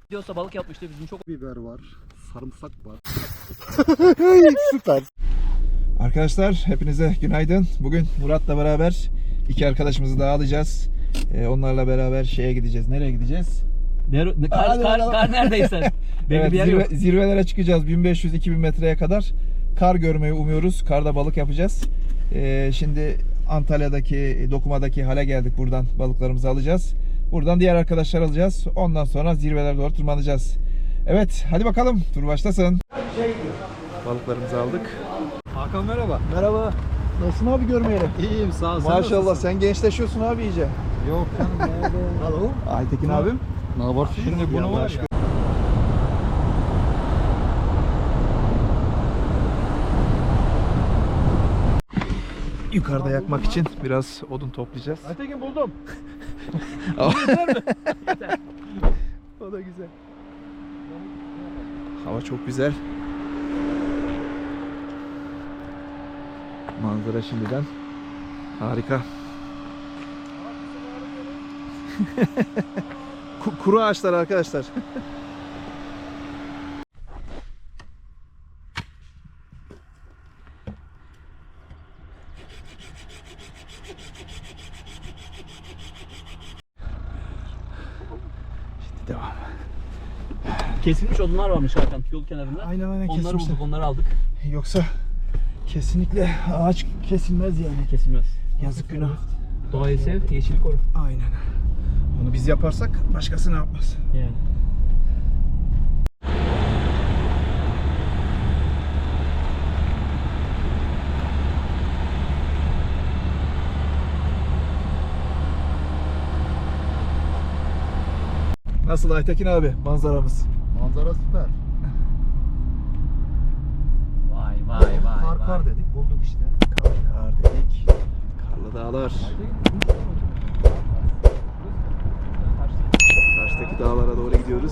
Diyorsa balık yapmıştı bizim çok. Biber var, sarımsak var. Süper. Arkadaşlar hepinize günaydın. Bugün Murat'la beraber iki arkadaşımızı daha alacağız. Onlarla beraber şeye gideceğiz. Nereye gideceğiz? Kar neredeyse. Evet, bir yer yok. zirvelere çıkacağız. 1500-2000 metreye kadar kar görmeyi umuyoruz. Karda balık yapacağız. Şimdi Antalya'daki, Dokuma'daki hale geldik. Buradan balıklarımızı alacağız. Buradan diğer arkadaşlar alacağız. Ondan sonra zirvelere doğru tırmanacağız. Evet, hadi bakalım. Tur başlasın. Balıklarımızı aldık. Hakan merhaba. Merhaba. Nasılsın abi görmeyeli? İyiyim sağ ol. Maşallah sen gençleşiyorsun abi iyice. Yok canım nerede? Alo. Aytekin abim. Ne var? Şimdi bunu var ya. Yukarıda yakmak için biraz odun toplayacağız. Aytekin buldum. O da güzel. Hava çok güzel. Manzara şimdiden harika. Kuru ağaçlar arkadaşlar. Şimdi devam. Kesilmiş odunlar varmış Hakan yol kenarında. Aynen Onları kesmişler. bulduk, onları aldık. Yoksa kesinlikle ağaç kesilmez yani. Kesilmez. Yazık günah. Doğayı sev, yeşili koru. Aynen. Bunu biz yaparsak başkası ne yapmaz? Yani. Nasıl Aytekin abi manzaramız? Manzara süper. Vay. Kar dedik bulduk işte. Kar dedik. Karlı dağlar. Karşıdaki dağlara doğru gidiyoruz.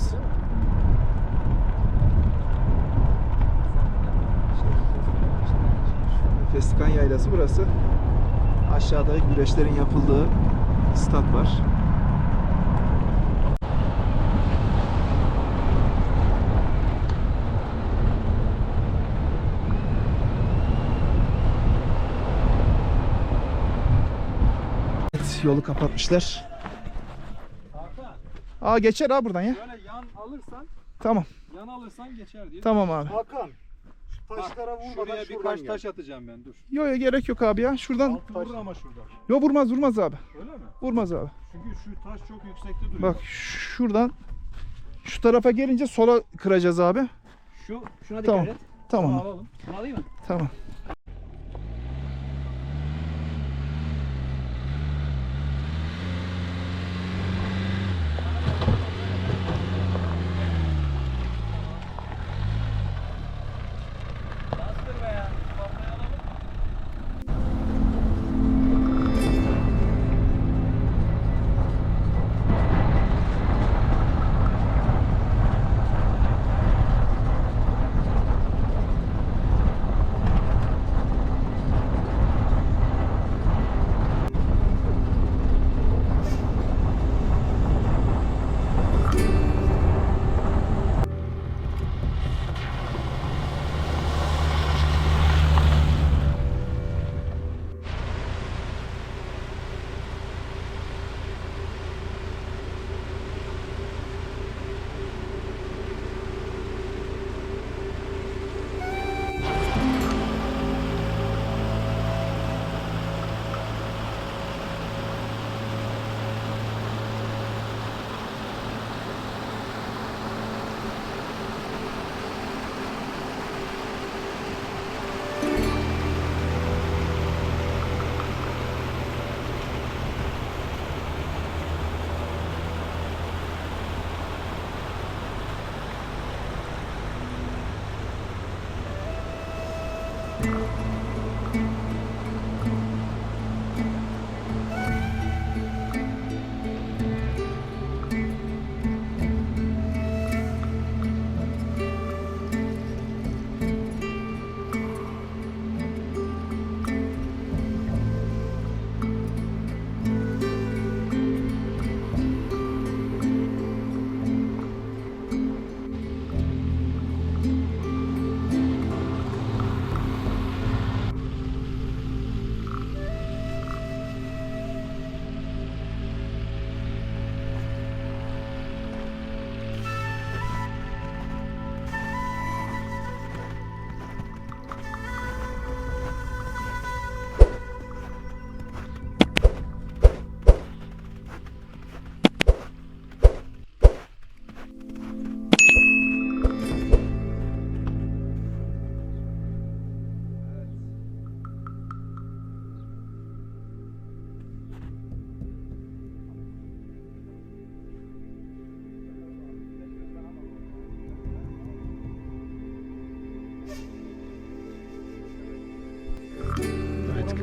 Festikan Yaylası burası. Aşağıda güreşlerin yapıldığı stat var. Evet, yolu kapatmışlar. Aa geçer abi buradan ya. Böyle yan alırsan, Tamam. geçer diye. Tamam abi. Hakan, şu taşlara vurmadan Şuraya birkaç taş atacağım ben, dur. Yo gerek yok abi ya. Şuradan. Altı vurur ama şurada. Yo vurmaz abi. Öyle mi? Vurmaz abi. Çünkü şu taş çok yüksekte duruyor. Bak şuradan şu tarafa gelince sola kıracağız abi. Şuna dikkat Tamam. et. Tamam. Bunu alalım. Bunu alayım mı? Tamam.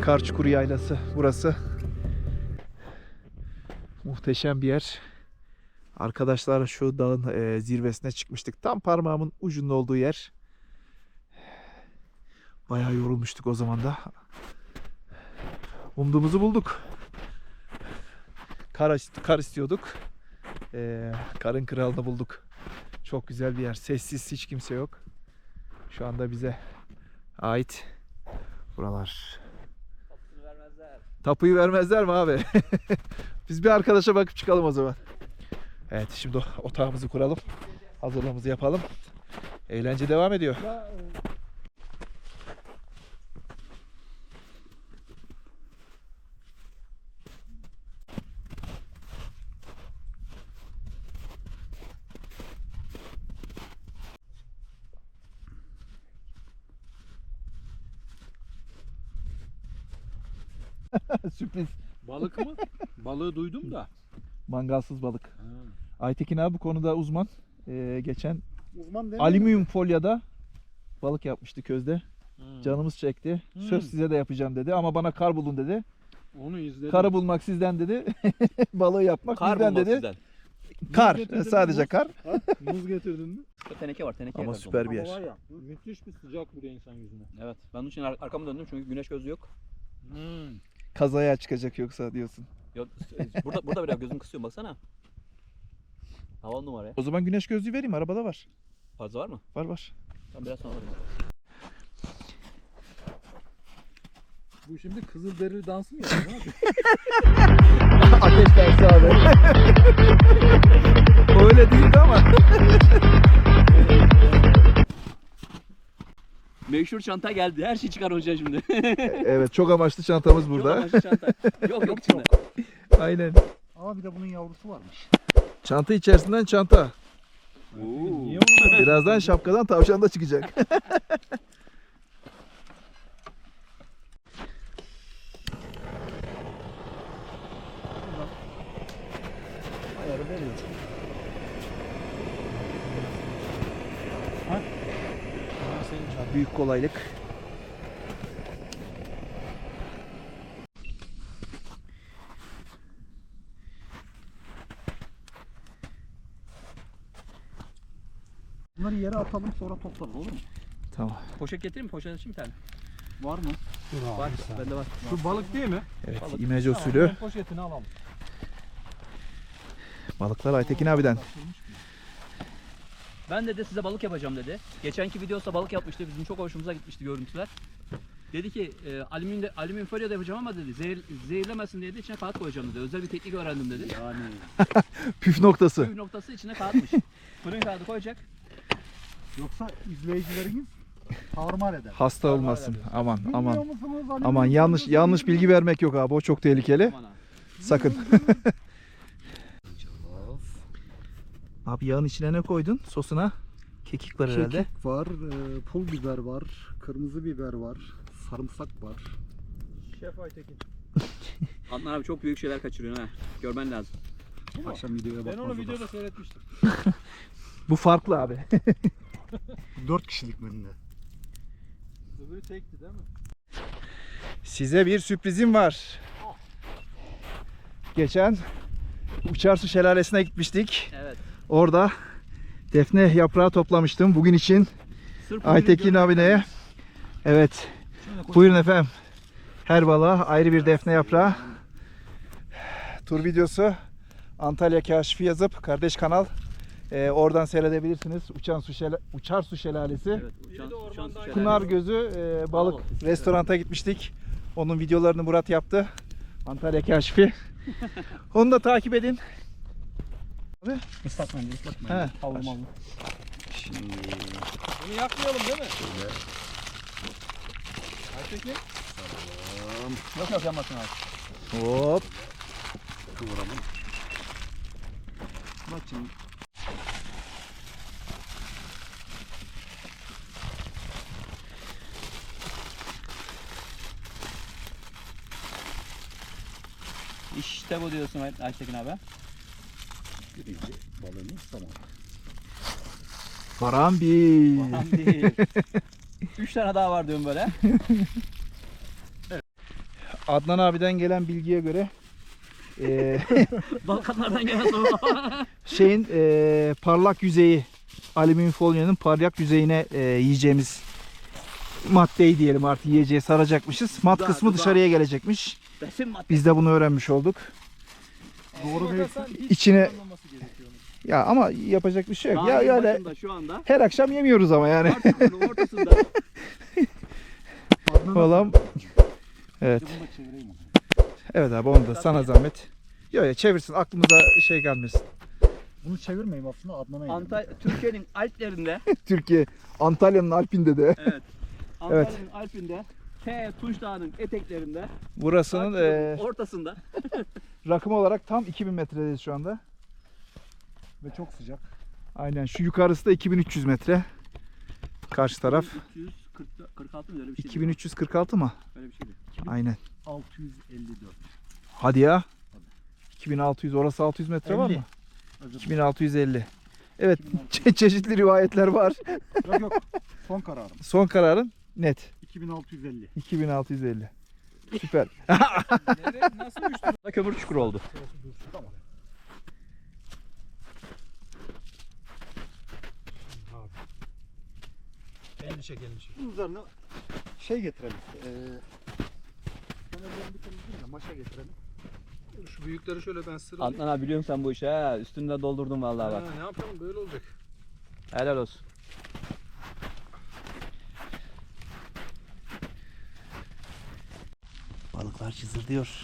Karçukur Yaylası burası. Muhteşem bir yer. Arkadaşlar şu dağın zirvesine çıkmıştık. Tam parmağımın ucunun olduğu yer. Bayağı yorulmuştuk o zaman da. Umduğumuzu bulduk. Kar istiyorduk. Karın kralını bulduk. Çok güzel bir yer. Sessiz, hiç kimse yok. Şu anda bize ait buralar. Tapuyu vermezler mi abi? Biz bir arkadaşa bakıp çıkalım o zaman. Evet, şimdi otağımızı kuralım. Hazırlığımızı yapalım. Eğlence devam ediyor. Sürpriz. Balık mı? Balığı duydum da. Mangalsız balık. Aytekin abi bu konuda uzman. Geçen Uzman değil mi? alüminyum folyada balık yapmıştı közde. Canımız çekti. Söz size de yapacağım dedi ama bana kar bulun dedi. Onu izledim. Karı bulmak sizden dedi. Balığı yapmak Kar bizden bulmak dedi. sizden. Kar. getirdin Sadece mi? kar. Muz getirdin mi? Teneke var, teneke. Ama yakarız süper onu. bir Ama var yer. ya müthiş bir sıcak vuruyor insan yüzüne. Evet. Ben onun için arkamı döndüm çünkü güneş gözlüğü yok. Kazaya çıkacak yoksa diyorsun. Yok, burada biraz gözüm kısıyor baksana. Havalı numara ya. O zaman güneş gözlüğü vereyim, arabada var. Fazla var mı? Var var. Tamam, biraz sonra alırım. Bu şimdi Kızılderili dansı mı yapıyor? Ne yapıyor? Ateş dersi abi. Öyle değildi ama. Meşhur çanta geldi. Her şey çıkar hocam şimdi. Evet, çok amaçlı çantamız Çok burada. amaçlı çanta. Yok içinde. Aynen. Ama bir de bunun yavrusu varmış. Çanta içerisinden çanta. Niye onu? Birazdan şapkadan tavşan da çıkacak. Ayarı veriyor. Büyük kolaylık. Bunları yere atalım sonra toplarız, olur mu? Tamam. Poşet getireyim mi? Poşet açayım bir tane. Var mı? Var. Bende var. Şu balık değil mi? Evet, Balık. imece Tamam, usulü ben poşetini alalım. balıklar Aytekin abiden. Ben dedi size balık yapacağım dedi. Geçenki videoda balık yapmıştı. Bizim çok hoşumuza gitmişti görüntüler. Dedi ki alüminyum folyo da yapacağım ama dedi zehirlemesin diye de içine kağıt koyacağım dedi. Özel bir teknik öğrendim dedi. Yani. Püf noktası. Püf noktası içine kağıtmış. Fırın kağıdı koyacak. Yoksa izleyicileriniz tarumar eder. Hasta olmasın. Aman Bilmiyor aman. musunuz? Alüminyum Aman yanlış bilgi vermek yok abi. O çok tehlikeli. Aman ha. Sakın. Abi yağın içine ne koydun? Sosuna kekik var herhalde. Kekik var, pul biber var, kırmızı biber var, sarımsak var. Şef Aytekin. Adnan abi çok büyük şeyler kaçırıyorsun ha. Görmen lazım. Akşam videoya Ben bakmaz onu o da. videoda seyretmiştim. Bu farklı abi. 4 kişilik menüde. Öbürü tekti değil mi? Size bir sürprizim var. Geçen Uçarsu Şelalesi'ne gitmiştik. Evet. Orada defne yaprağı toplamıştım bugün için. Sırf Aytekin abineye. Evet. Buyurun efendim. Her balığa ayrı bir defne yaprağı. Tur videosu Antalya Kaşifi yazıp kardeş kanal oradan seyredebilirsiniz. Uçarsu Şelalesi. Evet. Bir de ormanda aynı. Pınar Gözü balık restoranta gitmiştik. Onun videolarını Murat yaptı. Antalya Kaşifi. Onu da takip edin. Islatmayın, ıslatmayın. He. Havlu mallı. Bunu yakmayalım değil mi? Aytekin. Yok yanmasın abi. Hop. Kıvıralım. Bak şimdi. İşte bu diyorsun Aytekin abi. Birinci balığımız tamam. Barambi. Tamam değil. 3 tane daha var diyorum böyle. Adnan abiden gelen bilgiye göre Balkanlardan gelen soğuk hava. şeyin parlak yüzeyi, alüminyum folyonun parlak yüzeyine yiyeceğimiz maddeyi diyelim artık yiyeceğe saracakmışız. Mat Dudağı, kısmı dudağı. dışarıya gelecekmiş. Besin madde. Biz de bunu öğrenmiş olduk. Doğru değil. İçine ya ama yapacak bir şey yok. Ya Dağın öyle başında şu anda. her akşam yemiyoruz ama yani. Artık ortasında. Falan. Evet. Evet abi onu da sana zahmet. Yok ya çevirsin aklımıza şey gelmesin. Bunu çevirmeyeyim aslında Adnan'a yedim. Türkiye'nin Alplerinde, Türkiye Antalya'nın Alpinde de. evet. Antalya'nın Alpinde, Tunç Dağı'nın eteklerinde, Burasının Akçako'nun ortasında. rakım olarak tam 2000 metredeyiz şu anda. Ve çok sıcak. Aynen şu yukarısı da 2300 metre. Karşı taraf 346 mı öyle bir şey? 2346 mı? Öyle bir şeydi. Aynen. 654. Hadi ya. 2600 orası 600 metre var 50. mı? 2650. Evet çeşitli rivayetler var. Yok yok. Son kararım. Son kararın net. 2650. 2650. Süper. Nasıl uçtu? Kömür çukuru oldu. Tamam. Elini çek, elini çek. Bunun üzerine şey getirelim. Kenarlarını bir temizleyelim de maşa getirelim. Şu büyükleri şöyle ben sıralayayım. Adnan abi biliyorum sen bu işi ha. Üstünden doldurdun vallahi bak. Ha, ne yapalım böyle olacak. Helal olsun. Balıklar çiziliyor.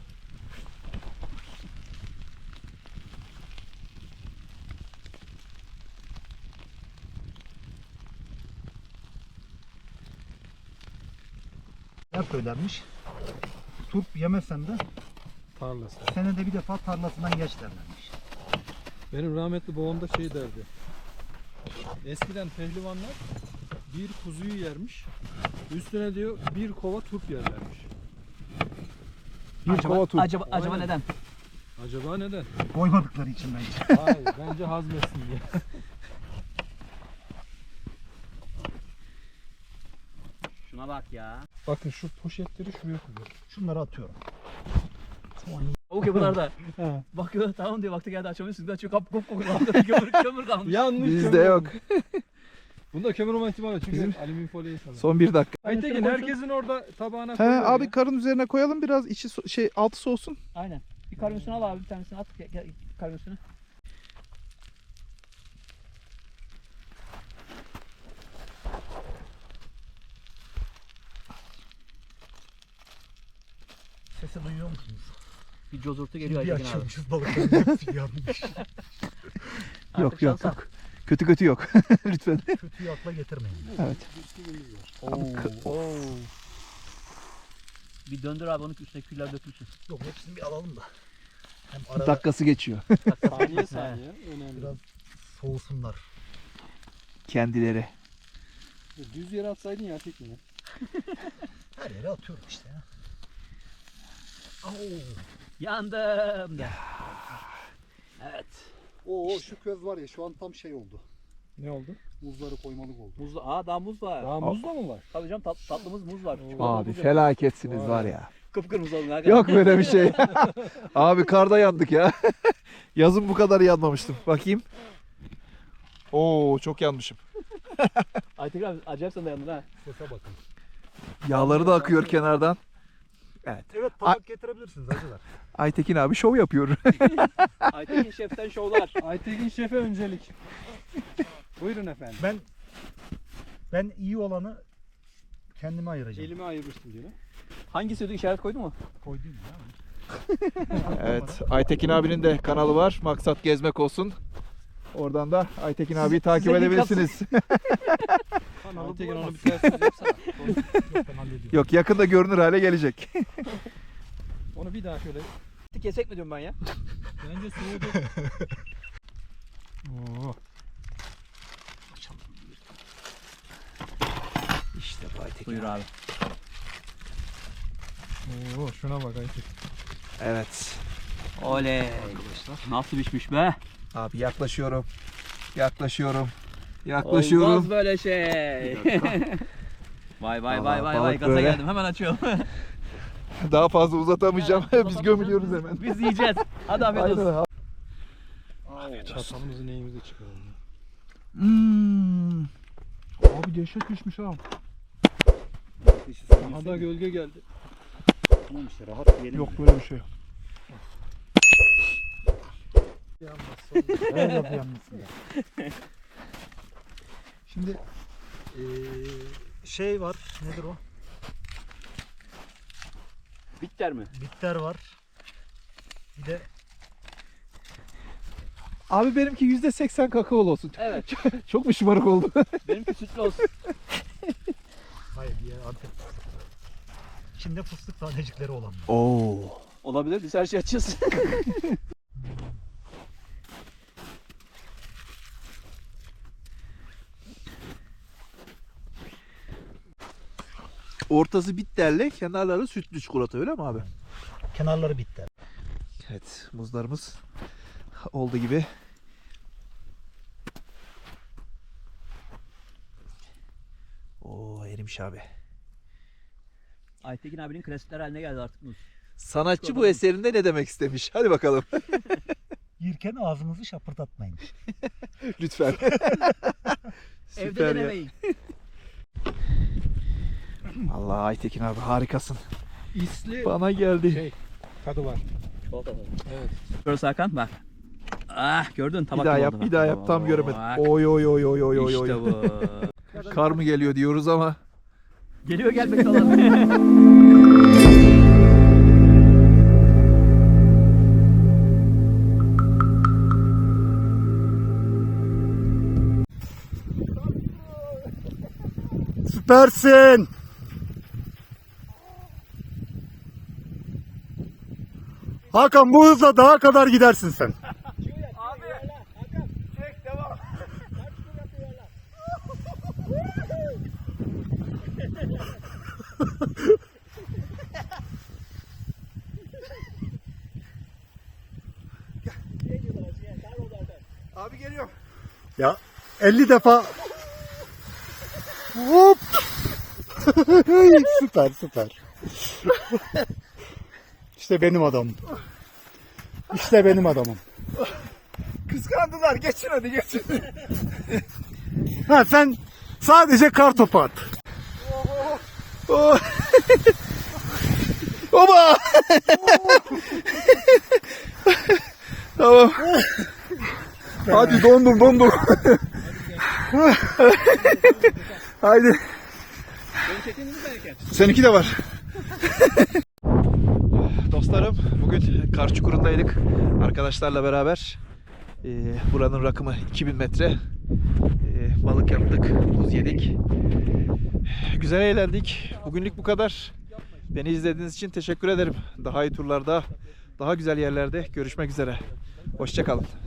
Hep söylenmiş. Turp yemesen de Tarlası. senede bir defa tarlasından geç derlermiş. Benim rahmetli babam da şey derdi. Eskiden pehlivanlar bir kuzuyu yermiş. Üstüne diyor bir kova turp yerlermiş. Bir kova turp. Acaba Aynen. neden? Acaba neden? Koymadıkları için bence. Hayır, bence hazmetsin diye. Şuna bak ya. Bakın şu poşetleri şuraya koyuyor. Şunları atıyorum. Tavuk yapılarda. Bakıyor tamam diyor vakti geldi açamıyorsun. Açıyor kap kop kokuyor. Kömür kalmış. Yanlış. Bizde kömür yok. olmuş. Bunda kömür olma ihtimali yok. Çünkü Bizim- alüminyum folyoyu sanırım. Son bir dakika. Aytekin herkesin orada tabağına He koyuyor abi ya. karın üzerine koyalım biraz içi şey altı soğusun. Aynen. Bir karın üstüne al abi bir tanesini at. Gel, karın üstüne. Sesi duyuyor musunuz? Bir cozurtu geliyor Bir Aytekin abi. açılmışız balıkların hepsi yanmış. Yok Artık yok şansa. yok. Kötü yok. Lütfen. Kötüyü akla getirmeyin. Evet. Oo. Bir döndür abi onun üstüne küller dökülsün. Yok hepsini bir alalım da. Hem arada Dakikası geçiyor. Saniye saniye. Önemli. biraz soğusunlar. Kendileri. Düz yere atsaydın ya Aytekin ya. Her yere atıyorum işte ya. Yandım de. Evet. Oo şu köz var ya şu an tam şey oldu. Ne oldu? Muzları koymalık oldu. Muzlu. Daha muz var. Daha muz da mı var? Tabii canım tatlımız muz var. Çikolata Abi muz yok. felaketsiniz var ya. Kıpkırmızı olun. Yok böyle bir şey. Abi karda yandık ya. Yazın bu kadar yanmamıştım. Bakayım. Oo çok yanmışım. Aytekin abi acayip sen de yandın ha. Sese bakın. Yağları da akıyor kenardan. Evet. Evet tabak getirebilirsiniz acılar. Aytekin abi şov yapıyor. Aytekin şeften şovlar. Aytekin şefe öncelik. Buyurun efendim. Ben iyi olanı kendime ayıracağım. Elime ayırmıştım diyor. Hangisi işaret koydu mu? Koydum ya. Evet. Aytekin abinin de kanalı var. Maksat gezmek olsun. Oradan da Aytekin abiyi takip size link edebilirsiniz. Aytekin onu bir ters yüz yapsana. Yok ben hallediyorum. Yok yakında görünür hale gelecek. Onu bir daha şöyle. Kesek mi diyorum ben ya? Bence soğudu. Oo. İşte bu Aytekin Buyur abi. Oo, şuna bak Aytekin. Evet. Oley. Nasıl pişmiş be? Abi yaklaşıyorum. Yaklaşıyorum. Olmaz böyle şey. Vay Vallahi vay balık gaza böyle. geldim hemen açıyorum. Daha fazla uzatamayacağım. Yani, Biz gömülüyoruz hemen. Biz yiyeceğiz. Hadi afiyet olsun. Aynen. Çatalımızı neyimizi çıkaralım. Abi dehşet düşmüş ha. Aha da gölge geldi. Tamam işte rahat yiyelim. Yok böyle bir şey. Her lafı yanmasın ya. Şimdi şey var, nedir o? Bitter mi? Bitter var. Bir de Abi benimki %80 kakaolu olsun. Evet. Çok mu şımarık oldu? Benimki sütlü olsun. hayır diğer Antep fıstık. İçinde fıstık tanecikleri olan. Oo. Olabilir. Biz her şeyi açacağız. Ortası bitterli, kenarları sütlü çikolata öyle mi abi? Kenarları bitter. Evet, muzlarımız oldu gibi. Oo, erimiş abi. Aytekin abinin klasikler haline geldi artık muz. Sanatçı bu eserinde ne demek istemiş? Hadi bakalım. Yirken ağzınızı şapırdatmayın. Lütfen. Evde Süper ya. denemeyin. Allah Aytekin abi harikasın. İsli Bana geldi. şey tadı var. Evet. Şurası Hakan bak. Ah gördün Bir tabak daha gibi yap, oldu bir bak. daha yap. Tam göremedim. Bak. Oy oy oy oy oy oy. İşte bu. Kar mı geliyor diyoruz ama. Geliyor gelmekte olan. Süpersin. Hakan bu hızla dağa kadar gidersin sen. Abi geliyor. Ya 50 defa hop. Süper süper. İşte benim adamım. İşte benim adamım. Kıskandılar. Geçin hadi geçin. Ha sen sadece kar topu at. Oh. Oba! Tamam. Hadi dondum. Haydi. Seninki de var. Dostlarım bugün kar çukurundaydık arkadaşlarla beraber. Buranın rakımı 2000 metre. Balık yaptık, buz yedik. Güzel eğlendik. Bugünlük bu kadar. Beni izlediğiniz için teşekkür ederim. Daha iyi turlarda, daha güzel yerlerde görüşmek üzere. Hoşça kalın.